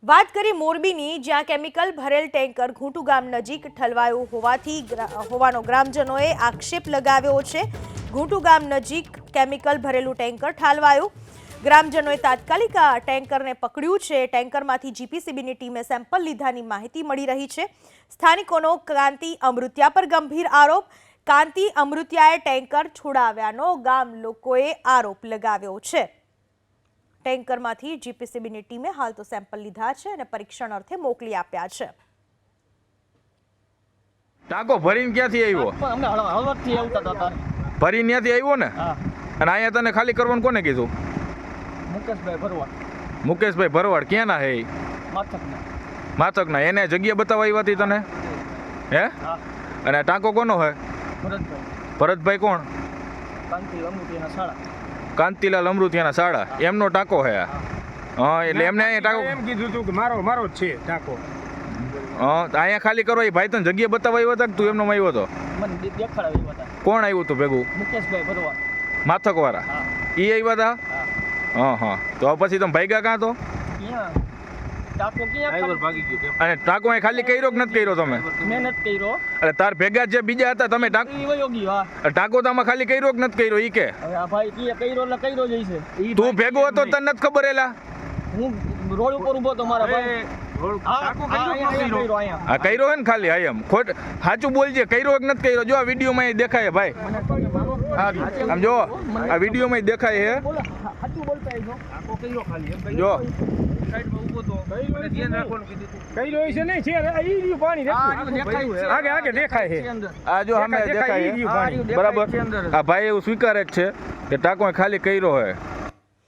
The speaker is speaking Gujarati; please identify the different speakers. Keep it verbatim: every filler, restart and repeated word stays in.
Speaker 1: વાત કરી મોરબીની, જ્યાં કેમિકલ ભરેલ ટેન્કર ઘૂંટુ ગામ નજીક ઠલવાયું હોવાથી હોવાનો ગ્રામજનોએ આક્ષેપ લગાવ્યો છે। ઘૂંટુ ગામ નજીક કેમિકલ ભરેલું ટેન્કર ઠાલવાયું। ગ્રામજનોએ તાત્કાલિક આ ટેન્કરને પકડ્યું છે। ટેન્કરમાંથી જીપીસીબીની ટીમે સેમ્પલ લીધાની માહિતી મળી રહી છે। સ્થાનિકોનો કાંતિ અમૃતિયા પર ગંભીર આરોપ। કાંતિ અમૃતિયાએ ટેન્કર છોડાવ્યાનો ગામ લોકોએ આરોપ લગાવ્યો છે। ટેન્કરમાંથી જીપીસીબીની ટીમે હાલ તો સેમ્પલ લીધા છે અને પરીક્ષણ અર્થે મોકલી આપ્યા છે।
Speaker 2: ટાંકો ભરીને ક્યાંથી આવ્યો?
Speaker 3: અમે હળવદથી આવતા હતા તારે
Speaker 2: ભરીને ત્યાંથી આવ્યો ને?
Speaker 3: હા।
Speaker 2: અને અહીંયા તને ખાલી કરવાનું કોને કીધું?
Speaker 3: મુકેશભાઈ ભરવાડ।
Speaker 2: મુકેશભાઈ ભરવાડ ક્યાંના હે?
Speaker 3: માથકના।
Speaker 2: માથકના। એને જગ્યા બતાવવા આવી હતી તને? હે?
Speaker 3: હા।
Speaker 2: અને ટાંકો કોનો હે?
Speaker 3: ભરતભાઈ।
Speaker 2: ભરતભાઈ કોણ?
Speaker 3: કાંતિ અમૃતિયાના શાળા।
Speaker 2: કાંતિલાલ અમૃતિયાના શાળા, એમનો ટાંકો હે? હા, એટલે એમને અહીંયા ટાંકો
Speaker 4: એમ કીધું હતું કે મારો મારો જ છે ટાંકો।
Speaker 2: હા, તો અહીંયા ખાલી કરો એ ભાઈ તને જગ્યા બતાવવા આવ્યો હતા કે તું એમનો આવ્યો હતો?
Speaker 3: મને દે- દેખાડાવ્યા હતા
Speaker 2: કોણ આવ્યું હતું ભેગું?
Speaker 3: મુકેશભાઈ ભરવાડ।
Speaker 2: માથકવાળા
Speaker 3: હા।
Speaker 2: એ આવ્યા હતા?
Speaker 3: હા।
Speaker 2: હા હા, તો પછી તમે ભાગ્યા કાં તો?
Speaker 3: ક્યાં ટાંકો ક્યાં ખાલી-
Speaker 4: ભાગી ગયો
Speaker 2: અને ટાંકો અહીં ખાલી કર્યો કે નથી કર્યો તમે?
Speaker 3: મહેનત કર્યો
Speaker 2: એટલે તાર ભેગા જે બીજા હતા તમે ટાંકો
Speaker 3: ઈ વયો ગયો। હા।
Speaker 2: ટાંકો તો આમાં ખાલી કર્યો કે નથી કર્યો ઈ કે?
Speaker 3: હવે આ ભાઈ કીએ કર્યો એટલે કર્યો જ હશે। ઈ
Speaker 2: તું
Speaker 3: ભાઈ
Speaker 2: ભેગો હતો તને નથી ખબર? એલા
Speaker 3: હું રોડ ઉપર ઊભો તો મારા ભાઈ આ
Speaker 4: ટાંકો
Speaker 3: આ
Speaker 4: કર્યો
Speaker 3: અહીંયા
Speaker 4: કે ન
Speaker 3: કર્યો અહીંયા
Speaker 2: આ કર્યો હે ને ખાલી? હા એમ ખોટ સાચું બોલજે, કર્યો કે નથી કર્યો? જો આ વિડીયોમાં અહીં દેખાય છે ભાઈ, આમ જો આ વિડીયોમાં દેખાય છે।
Speaker 3: બોલો સાચું બોલતા હશો।
Speaker 4: ટાંકો કર્યો ખાલી એમ
Speaker 2: જો
Speaker 4: સાઈડમાં ઊભો તો મને ધ્યાન રાખવાનું કીધું હતું। કર્યો છે નહીં છે આ ઈ રહ્યું પાણી દેખાય આગે આગે દેખાય છે।
Speaker 2: આ જો સામે
Speaker 4: દેખાય,
Speaker 2: દેખાય
Speaker 4: ઈ રહ્યું
Speaker 2: છે
Speaker 4: પાણી।
Speaker 2: બરાબર। આ ભાઈ એવું સ્વીકારે જ છે કે ટાંકો અહીં ખાલી કર્યો હોય।